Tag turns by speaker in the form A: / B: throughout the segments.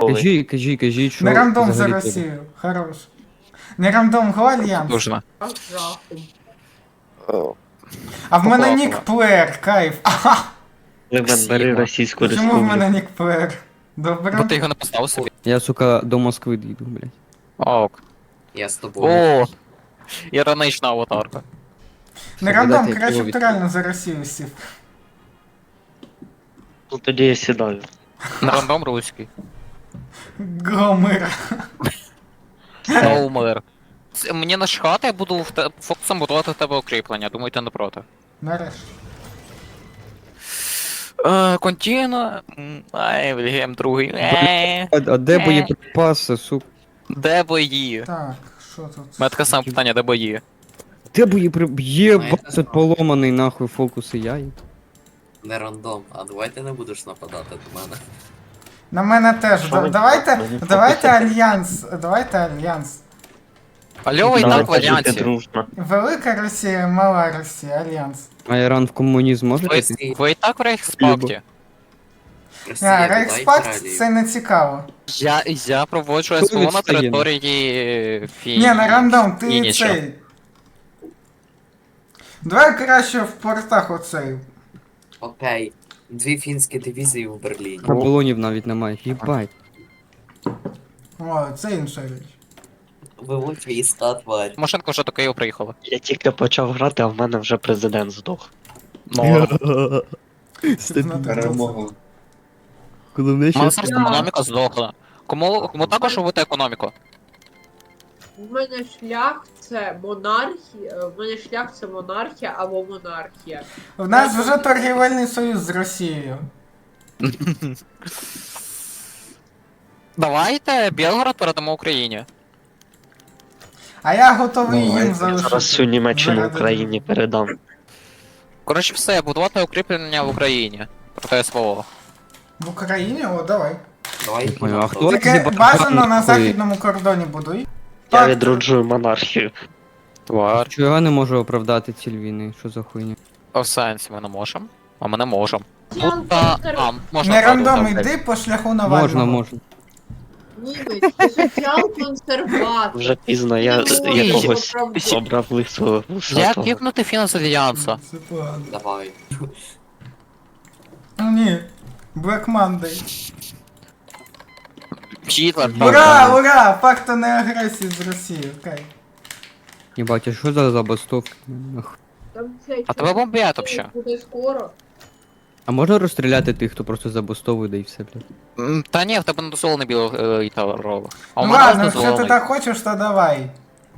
A: готовий.
B: Кажіть, що
C: Не рандом за
B: взагалі треба.
C: Росію. Хорош. Не рандом, го Альянс.
A: Нужно.
C: А в мене
A: Поплакала.
C: нік плеєр, кайф. Ага.
A: Лемен, бери Російську
C: Чому в
A: Республіку.
C: мене нік плеєр?
D: Бо
C: Добре.
D: ти його не поставив собі.
B: Я, сука, до Москви дійду, блядь.
D: Ок.
E: Я з тобою.
D: О! Іронична аватарка.
C: Не рандом,
B: Дайте я
C: краще б
B: його
C: ти реально за Росію сів.
A: Ну тоді я сідаю.
D: На рандом руський.
C: Гомер.
D: Ноумер. Мені начхати, я буду фокусом будувати в тебе укріплення. Думаю, ти не проти.
C: Нарешті.
D: Контіно. Ай, Вільгельм другий.
B: А де боєприпаси, сука?
D: Де бої?
C: Так, що тут?
D: У мене таке саме питання, де бої?
B: Де боєприпаси? Є,
E: Ну, я не
B: тут
E: знаю.
B: поломаний нахуй фокуси яй.
E: Не рандом. А давай ти не будеш нападати до мене.
C: На мене теж.
A: Що ви
C: Давайте,
A: фокусите?
C: давайте альянс. Давайте альянс.
D: Альова і так в
A: Давайте жити
D: альянсі.
A: дружно.
C: Велика Росія, мала Росія, альянс.
B: А Іран в комунізм може
D: Ви,
B: піти?
D: ви і так в Рейхспакті.
E: Росія, додай
C: Рейхспакт
E: Італію.
C: це не цікаво.
D: Я проводжу
B: Хто
D: СВО на
B: відстає?
D: території
C: Ні, на рандом, ти
D: Фініча.
C: цей. Давай краще в портах оцей.
E: Окей. 2 фінські дивізії в Берліні.
B: Балонів навіть немає. Їбать.
C: О, це інша річ.
E: Виводь війська, тварь.
D: Машинка вже до Києва приїхала.
A: Я тільки почав грати, а в мене вже президент здох.
D: Ну,
C: Перемогу.
B: Головне,
D: мене
B: що...
D: зараз економіка здохла. Кому також робити економіку?
F: У мене шлях це монархія, в мене шлях це монархія або монархія.
C: У нас вже торгівельний союз з Росією.
D: Давайте Білгород передамо Україні.
C: А я готовий їм
A: Я
C: залишити.
A: зараз всю Німеччину
C: Заради
A: Україні передам.
D: Коротше, все, будувати укріплення в Україні. Проти СВО.
C: В Україні? О, давай.
E: Давай їх
B: Понял, а
E: будемо
B: хто
E: проти.
C: Тільки
B: зібрав
C: бажано на
B: нахуй?
C: західному кордоні будуй.
A: Я
C: Так,
A: відроджую монархію.
D: Твар.
B: Чого я не можу оправдати ціль війни? Що за хуйня?
D: А в сенсі ми не можемо. А ми не можемо.
F: Я
D: Можна
C: не
D: правду,
C: рандом,
D: так.
C: йди по шляху Навального.
B: Можна.
F: Німець, ти соціал-консерватор.
A: Вже пізно, я якогось обрав лисого
D: Як
A: вусатого.
D: кіпнути фінанс Альянса?
C: Це погано.
E: Давай.
C: Ну ні. Black Monday.
D: Гітлер,
C: Ура, ура! Факту не агресії з Росії, окей.
B: Їбать, а що за забастовки? Нахуй.
F: Там це
D: А тебе бомбять вообще.
F: буде скоро.
B: А можна розстріляти тих, хто просто забастовує, да і все, блядь?
D: Та ні, в тебе не дозволений білий таврових. А у
C: Ну
D: мене
C: ладно, якщо ти
D: дозволений.
C: так хочеш, то давай.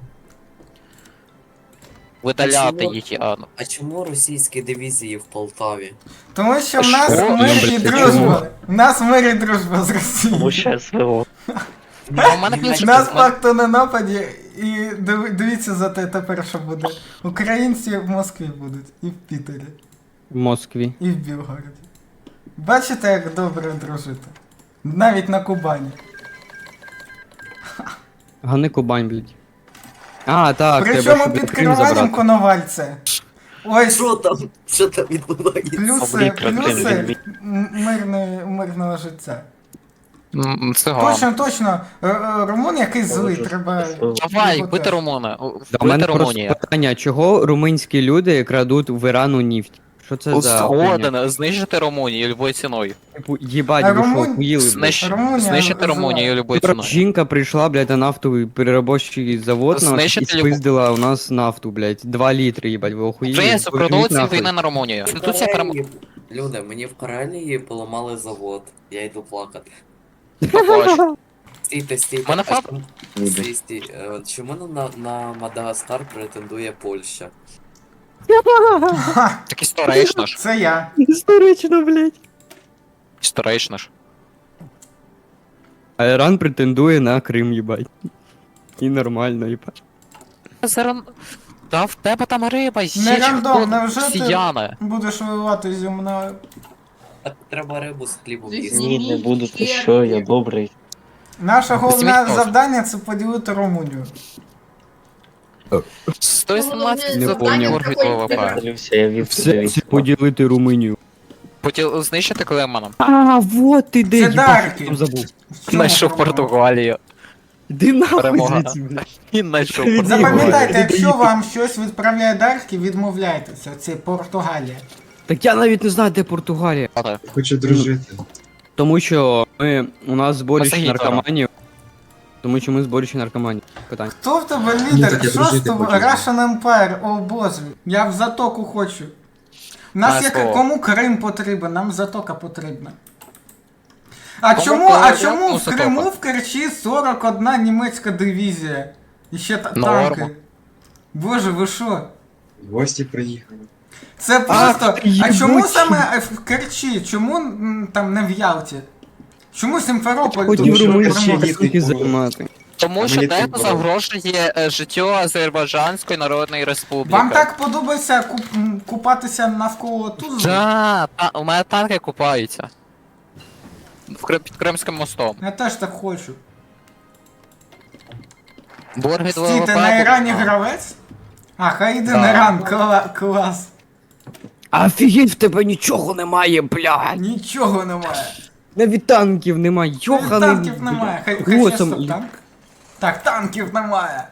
D: Видаляти
E: Чому?
D: їх,
E: А чому російські дивізії в Полтаві?
C: Тому що в нас
D: Що?
C: мир і
B: Блядь,
C: дружба.
B: чому?
C: В нас мир і дружба з Росією.
A: Тому що СВО.
D: А у мене
C: У
D: ключ.
C: нас факту на нападі, і дивіться за те тепер, що буде. Українці в Москві будуть, і в Пітері,
B: В Москві.
C: і в Білгороді. Бачите, як добре дружити? Навіть на Кубані.
B: Гани Кубань, блядь. А, так,
C: Причому
B: щоб
C: під
B: Крим
C: керуванням
B: забрати.
C: Коновальця. Ось
E: Що там? Що там відбувається?
C: плюси,
A: Обліка
C: плюси мирного життя.
D: Циган.
C: Точно, румун якийсь злий, треба...
D: Давай,
C: його
D: бити
C: теж.
D: Румуна.
B: Да, у мене
D: Бити
B: просто
D: Румунія.
B: питання, чого румунські люди крадуть в Ірану нефть? Що це за хуйня?
D: Згоден, знищити Румунію любою ціною.
B: Типу, їбать,
C: А
B: ви що,
C: Румун-
B: охуїли, блядь?
C: Румунія
D: Знищити
C: зла.
D: Румунію любою
B: Вчора
D: ціною.
B: жінка прийшла, блядь, на нафтовий переробочий завод наш, і
D: Знищити
B: спиздила у нас нафту, блядь. 2 літри, їбать, ви охуїли?
D: Вже
B: Поверніть
D: продовжується
B: нахуй.
D: війна на Румунію. Конституція перемогла.
E: Люди, мені в Карелії поламали завод. Я йду плакати. Стійте, стійте.
D: Мене
E: А
D: фаб-
E: чому- Стій, стій. Чому на Мадагаскар претендує Польща?
D: Так історично ж.
C: Це я.
B: Історично, блядь.
D: Історично ж.
B: А Іран претендує на Крим, їбать. І нормально, їбать.
D: Зерн... Та в тебе там риба,
C: Не рандом, невже ти
D: сіяне.
C: будеш воювати зі мною?
E: Так треба рибу з хлібом
F: Зі
E: їсти.
A: Ні, не буду, ти що, я добрий.
C: Наше головне
D: Смітно.
C: завдання це поділити Румунію.
D: 118
B: Не
D: за
B: поняв.
D: борг від ВВП.
A: Подивився, я вів
B: Все
A: собі
B: це поділити Румунію.
D: Хотів знищити Клеманом.
B: А, вот ти де,
C: Це
B: їбать,
C: дарки.
B: що там забув.
C: В чому
D: Знайшов
C: проблема?
D: Португалію.
B: Іди нахуй
D: Перемога.
B: звідси, блядь.
D: Він знайшов
B: Від-
D: Португалію.
C: Запам'ятайте,
B: Ігор,
C: якщо вам щось відправляє дарки, відмовляйтеся. Це Португалія.
B: Так я навіть не знаю, де Португалія.
G: Хочу дружити.
B: Тому що у нас зборище
D: Посагіть,
B: наркоманів. Тому що ми зборище наркоманів. Питання.
C: Хто в тебе
G: Ні,
C: лідер?
G: так я
C: Що з
G: дружити
C: тобою?
G: хочу.
C: Russian Empire, о боже. Я в затоку хочу. Нас
D: Знаю
C: як
D: слово.
C: кому Крим потрібен, нам затока потрібна. А
D: Кому
C: чому,
D: Крим,
C: чому
D: кому
C: в Криму
D: затока?
C: в Керчі 41 німецька дивізія? І ще
D: Норма.
C: танки. Боже, ви що?
G: В гості приїхали.
C: Це просто.
B: ти
C: А чому
B: єбучий.
C: саме в Керчі? Чому там не в Ялті? Чому Сімферополь
B: Хотів
C: тут
G: що
B: румунські
G: ще
C: переможе?
G: є
B: суки
G: типу-
B: займати.
D: Тому
G: А
D: що
G: мені
D: тебе
G: тут
D: загрожує життю Азербайджанської Народної Республіки.
C: Вам так подобається купатися навколо Тузли?
D: Да, у мене танки купаються. Під Кримським мостом.
C: Я теж так хочу.
D: Борги
C: Стій, ти на Ірані гравець? А, хай йде
D: Да.
C: на Іран, клас.
B: Офігеть, в тебе нічого немає, блядь.
C: Нічого немає.
B: Навіть танків немає, йоханий.
C: Танків немає. Хай
B: О,
C: ще
B: там-
C: стоп, танк. Так, танків немає.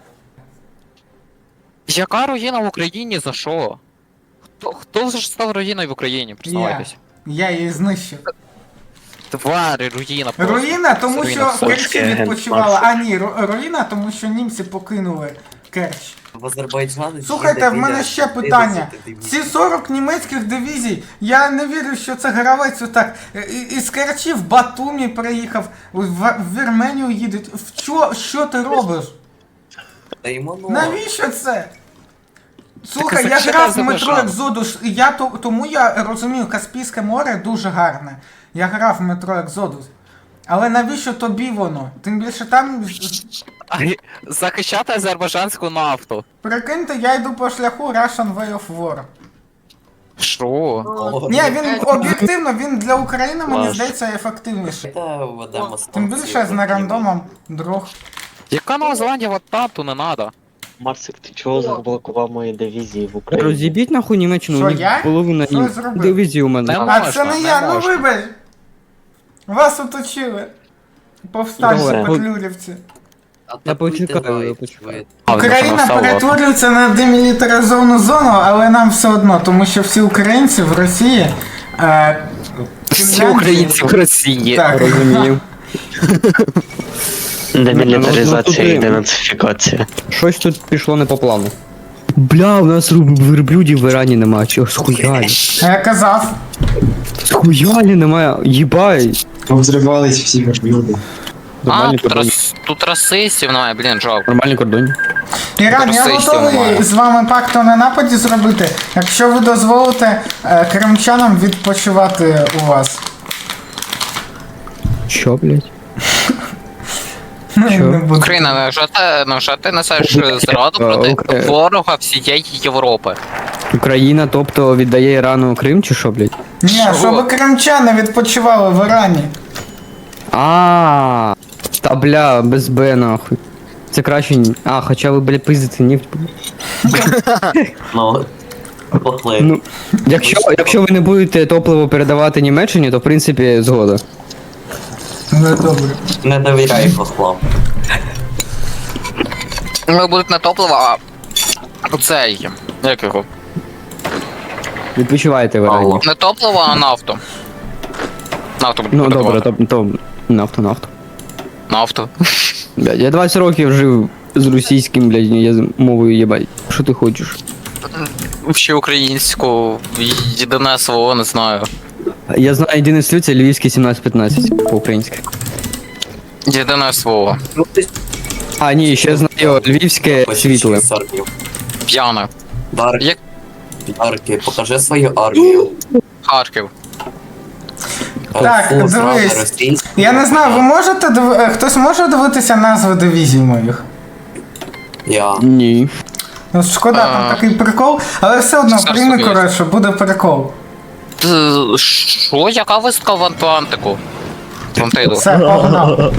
D: Яка руїна в Україні за що? Хто ж став руїною в Україні?
C: Я.
D: Признавайтесь.
C: Я її знищив.
D: Твари, руїна просто.
C: Руїна, тому
D: Руїна
C: що в
D: все.
C: Керчі
A: Польський агент
C: відпочивала. А ні, руїна, тому що німці покинули Керч.
E: В Азербайджані...
C: Слухайте, в мене ще питання. Ці 40 німецьких дивізій, я не вірю, що це гравець отак. Із Керчі в Батумі приїхав, в Вірменію їдуть. Що ти робиш?
E: Та йому ну...
C: Навіщо це? Слухай,
D: Так,
C: я
D: це
C: грав в
D: за
C: метро
D: бажання.
C: Екзодус, тому я розумію, Каспійське море дуже гарне. Я грав в метро Екзодус. Але навіщо тобі воно? Тим більше там,
D: Захищати азербайджанську нафту.
C: прикиньте, я йду по шляху Russian Way of War.
D: Що?
E: О,
C: Ні, він об'єктивно, він для України, мені
A: Клас.
C: здається, ефективніший.
E: Та ведемо
C: Тим більше з нерандомом друг.
D: Яка Нова Зеландія в атаку не надо?
A: Марсик, ти чого заблокував мої дивізії в Україні?
B: Розібіть нахуй Німеччину,
C: Що,
B: у них
C: я?
B: половина
C: Що я зробив?
B: дивізії у мене.
D: Не
C: А
D: можна,
C: це не
D: не
C: я, ну
D: можна.
C: вибач! Вас оточили. Повстанці,
B: Давай.
C: петлюрівці.
B: Я почекаю, я почекаю.
C: Україна перетворюється на демілітаризовану зону, але нам все одно, тому що всі українці в Росії.
D: Всі
C: Фінляндії-
D: українці в Росії.
C: Так.
B: Розумію.
A: Демілітаризація
B: Ну,
A: і
B: ну,
A: денацифікація.
B: Щось тут пішло не по плану. Бля, у нас верблюдів в Ірані немає, чого схуялі?
C: А я казав,
B: Схуялі немає, їбай.
G: Повзривались всі верблюди.
D: А,
B: Нормальні
D: тут,
B: кордоні.
D: тут расистів немає, блін, жалко.
B: Нормальні кордоні.
C: Іран, я
D: Російського
C: готовий
D: немає.
C: з вами пакту на нападі зробити, якщо ви дозволите кримчанам відпочивати у вас.
B: Що, блядь?
C: Ну,
B: Що?
C: не буду.
D: Україна, невже ти несеш зраду проти
B: Окей.
D: ворога всієї Європи?
B: Україна, тобто, віддає Ірану Крим чи що, блядь?
C: Ні,
D: Що?
C: щоб кримчани відпочивали в Ірані.
B: А, та бля, без Б нахуй. Це краще. А, хоча ви, бля, пиздите нефть.
E: Ну, похлеб.
B: Ну, якщо ви не будете топливо передавати Німеччині, то в принципі згода.
C: Ну добре.
E: Не довіряй хохлам.
D: Ну, будуть не топливо, а оцей. Як його?
B: Відпочивайте в Ірані.
E: Алло.
D: Не топливо, а нафту. Нафту буде
B: Ну добре,
D: продавати.
B: то нафту.
D: Нафту.
B: Блядь, я 20 років жив з російським, блядь, мовою їбать. Що ти хочеш?
D: Ще українську, єдине слово, не знаю.
B: Я знаю єдине слів, це львівське 17-15 по-українськи.
D: Єдине слово.
E: Ну ти
B: А, ні, ще знаю львівське світле.
D: П'яне.
E: Дарки,
D: Як
E: Дарки, покажи свою армію.
D: Харків.
C: Так,
E: Фу, зразу
C: дивись.
E: російську.
C: Я не знаю, ви можете хтось може дивитися назви дивізій моїх?
E: Я.
B: Ні.
C: Ну, шкода, там
D: А.
C: такий прикол, але все одно
D: Царство
C: прийми,
D: Небесне.
C: коротше, буде прикол.
D: Що? Яка виставка в Атлантику? Атлантиду.
C: Все, погнав.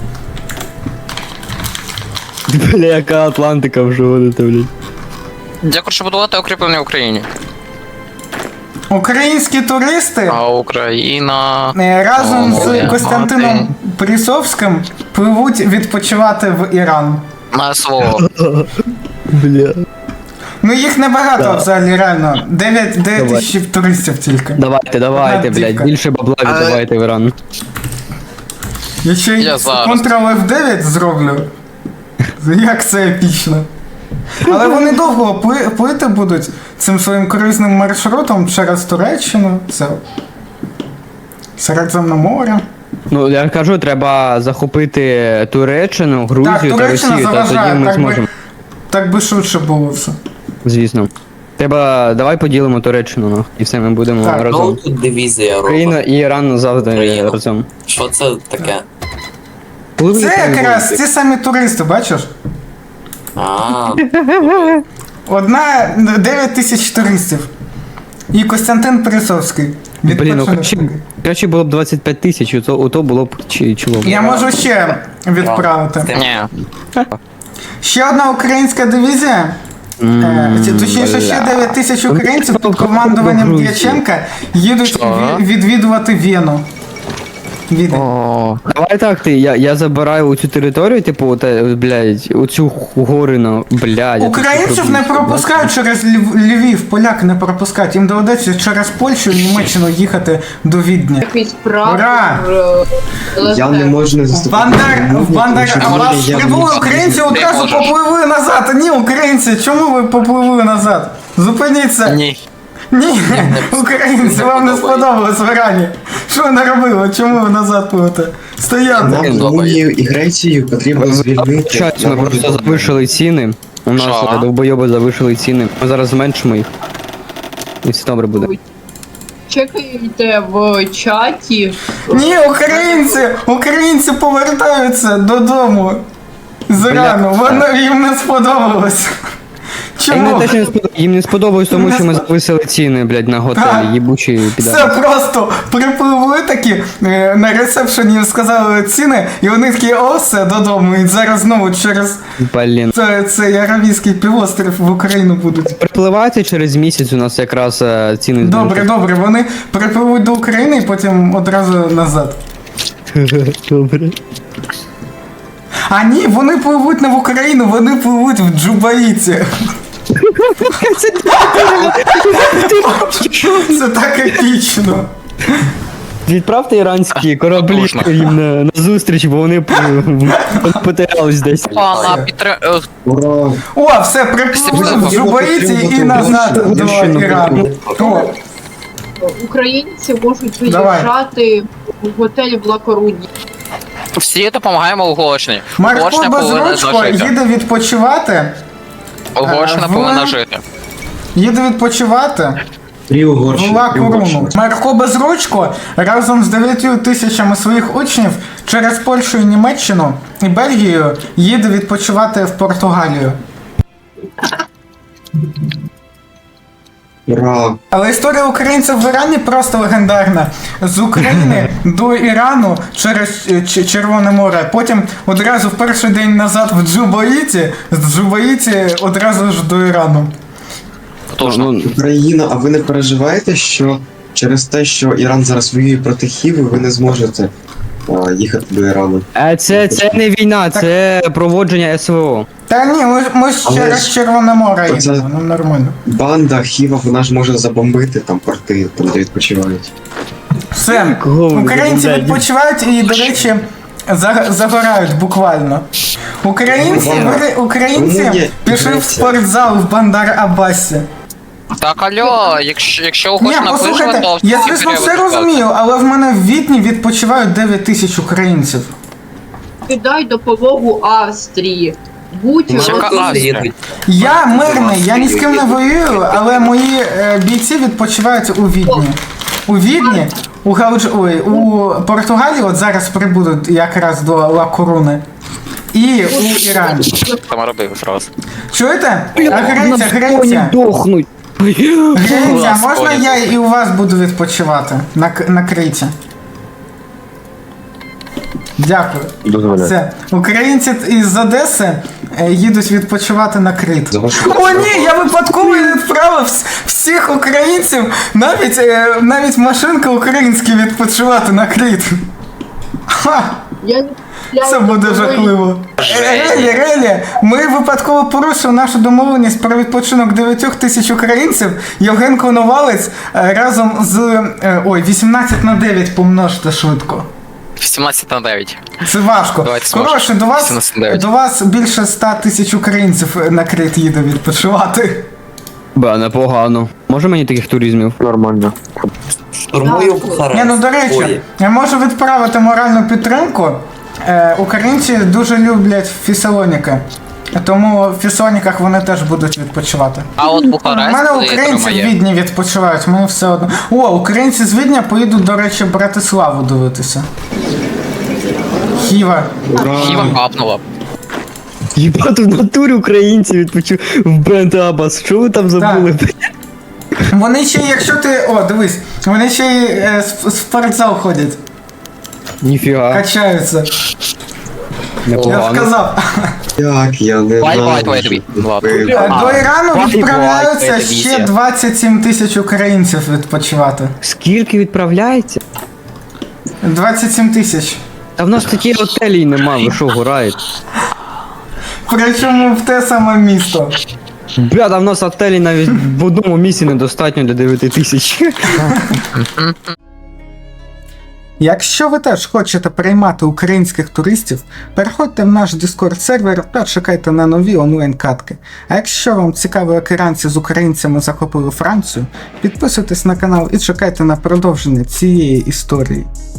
B: Бля, яка Атлантика вже водите, блядь.
D: Я хочу будувати укріплення в Україні.
C: Українські туристи
D: А Україна.
C: разом з
D: О,
C: Костянтином Присовським пливуть відпочивати в Іран.
D: На СВО.
B: Бля.
C: Ну їх небагато
B: Да.
C: взагалі, реально. 9 тисяч туристів тільки.
B: Давайте,
C: Одна
B: блядь,
C: дівка.
B: більше бабла віддавайте в Іран.
C: Я ще й
D: Я зараз.
C: Ctrl-F9 зроблю. Як це епічно. Але вони довго плити будуть цим своїм круїзним маршрутом через Туреччину, це Середземне море.
B: Ну, я кажу, треба захопити Туреччину, Грузію та
C: Туреччина
B: Росію, та
C: заважає,
B: тоді ми
C: так би-
B: зможемо.
C: Так би швидше було все.
B: Звісно. Треба, давай поділимо Туреччину, нахуй, і все, ми будемо
C: Так,
E: Ну
B: разом.
E: тут дивізія
B: Україна
E: робить.
B: і Іран завжди
E: Україна.
B: разом.
E: Що це таке?
B: Коли ви
C: Це
B: там
C: якраз
B: будете?
C: ті самі туристи, бачиш?
E: А,
C: Одна 9 тисяч туристів. І Костянтин Присовський.
B: Блін, ну
C: Відпочинок.
B: краще було б 25 тисяч, ото було б чоло.
C: Я можу ще відправити.
D: Ні.
C: Ще одна українська дивізія. Точніше, ще 9 тисяч українців під командуванням
B: Грузії.
C: Дяченка їдуть
D: Що?
C: відвідувати Вену. Відень.
D: О,
B: Давай так, я забираю цю територію, типу, блядь, оцю горину, блядь. я
C: Українців
B: тут
C: не
B: роблю,
C: пропускають через Львів, поляки не пропускають. Їм доведеться через Польщу і Німеччину їхати до Відня.
F: Якийсь прапор.
C: Ура!
G: Я не можу не заступати.
C: Бандер, а вас прибули українці одразу
D: можеш.
C: попливли назад. Ні, українці, чому ви попливли назад? Зупиніться.
D: ні.
C: Ні, українці, вам не сподобалось в Ірані. Що ви наробили? Чому ви назад пливете? Стояти.
G: Нам Румунію і Грецію потрібно звільнити.
B: Щас, ми просто завишили ціни. У нас
D: Що?
B: довбойоби завишили ціни. Ми зараз зменшимо їх. І все добре буде.
F: Чекайте в чаті.
C: Ні, українці повертаються додому з Ірану. Воно їм не сподобалось. Чому?
B: Їм не сподобалось тому, що ми зависили ціни, блядь, на
C: Так.
B: готелі. Їбучі
C: Все
B: підари.
C: просто припливли такі на ресепшені сказали ціни, і вони такі, о, все, додому. І зараз знову через
B: Блін.
C: цей Аравійський півострів в Україну будуть.
B: Припливайте через місяць у нас якраз ціни
C: Добре, добре, вони припливуть до України і потім одразу назад.
B: Добре.
C: А ні, вони пливуть не в Україну, вони пливуть в Джубаїті. Це так епічно.
B: Відправте іранські кораблі
D: Потужно.
B: їм на зустріч, бо вони потерялись десь.
D: Пана
G: Ура!
C: О, все, припливли в Джубаїті і назад до Ірану. О,
F: Українці можуть
C: Давай.
F: виїжджати в готелі в Лакоруні.
D: Всі допомагаємо Угорщині.
C: Марко
D: Угорщина повинна
C: Безручко
D: жити.
C: їде відпочивати.
D: Угорщина
C: в-
D: повинна жити.
C: Їде відпочивати
G: Три Угорщини.
C: в Ла
G: три
C: Коруну.
G: Угорщини.
C: Марко Безручко разом з 9 тисячами своїх учнів через Польщу і Німеччину і Бельгію їде відпочивати в Португалію.
G: Ура!
C: Але історія українців в Ірані просто легендарна. З України до Ірану через Червоне море. Потім одразу в перший день назад в Джубаїті, з Джубаїті одразу ж до Ірану.
D: Потужно.
B: Ну,
G: Україна, а ви не переживаєте, що через те, що Іран зараз воює проти Хіви, ви не зможете їхати до Ірану?
B: це не війна, це проводження СВО.
C: Та ні, ми ж
G: Але
C: через
G: ж
C: Червоне море
G: оце-
C: їдемо, ну нормально.
G: Банда Хіва, вона ж може забомбити там порти, там де відпочивають.
C: Все,
B: Кого ви
C: українці
B: забираєте?
C: відпочивають і, до речі, загорають буквально. Українці
G: Румунія,
C: пішли в
G: Греція.
C: спортзал в Бандар Абасі.
D: Так, алло, якщо
C: Ні,
D: Угорщина виживе,
C: послухайте,
D: то
C: я
D: всі
C: звісно все
D: періоди
C: розумію, але в мене в Відні відпочивають 9 тисяч українців.
F: Кидай допомогу Австрії. Будь
D: Ну, яка
F: готові.
D: Австрія?
C: Я мирний, я ні з ким не воюю, але мої бійці відпочивають у Відні. У Відні, у Португалії от зараз прибудуть якраз до Ла Коруни. І у Ірані.
D: Там робив фраз.
C: Чуєте? А Греція,
B: Вони
C: Греція.
B: дохнуть.
C: Греція, можна
D: Господи.
C: я і у вас буду відпочивати на Криті? Дякую. Все. Українці із Одеси їдуть відпочивати на Крит.
G: За вашу
C: О, ні, я випадково відправив всіх українців, навіть машинка українські відпочивати на Кріт. Ха!
F: Я не
C: Це буде жахливо. Релі, ми випадково порушили нашу домовленість про відпочинок 9000 українців. Євген Коновалець разом з... 18/9 помножте швидко.
D: 18/9.
C: Це важко.
D: Давайте зможемо.
C: Коротше,
D: 18/9.
C: до вас більше 100 000 українців на Кріт їде відпочивати.
B: Бля, непогано. Може мені таких туризмів?
A: Нормально.
E: Штурмую Бухарест.
C: До речі,
E: Ой,
C: я можу відправити моральну підтримку. Українці дуже люблять Фесалоніки. Тому в Фесалоніках вони теж будуть відпочивати.
D: А от
C: У
D: Бухарест
C: мене
D: коли
C: українці в
D: отримає.
C: Відні відпочивають, мені все одно. Українці з Відня поїдуть, до речі, Братиславу дивитися. Хіва.
D: Хіва капнула.
B: Єбать, в натурі українці відпочив в Бент Абас. Що ви там забули?
C: Вони ще, якщо ти. Дивись, вони ще й в спортзал ходять,
B: Ніфіга,
C: качаються. Я
B: непогано.
C: сказав.
G: Як я не
D: Wait,
G: знаю.
D: wait.
C: До Ірану
D: Why,
C: відправляються
D: why,
C: ще
D: дивізія.
C: 27 000 українців відпочивати.
B: Скільки відправляється?
C: 27 000.
B: Та в нас такі готелі нема, ви що, гураєте?
C: Причому в те саме місто.
B: Бля, та в нас готелі навіть в одному місці недостатньо для 9000.
C: Якщо ви теж хочете приймати українських туристів, переходьте в наш Discord сервер та чекайте на нові онлайн-катки. А якщо вам цікаво, як іранці з українцями захопили Францію, підписуйтесь на канал і чекайте на продовження цієї історії.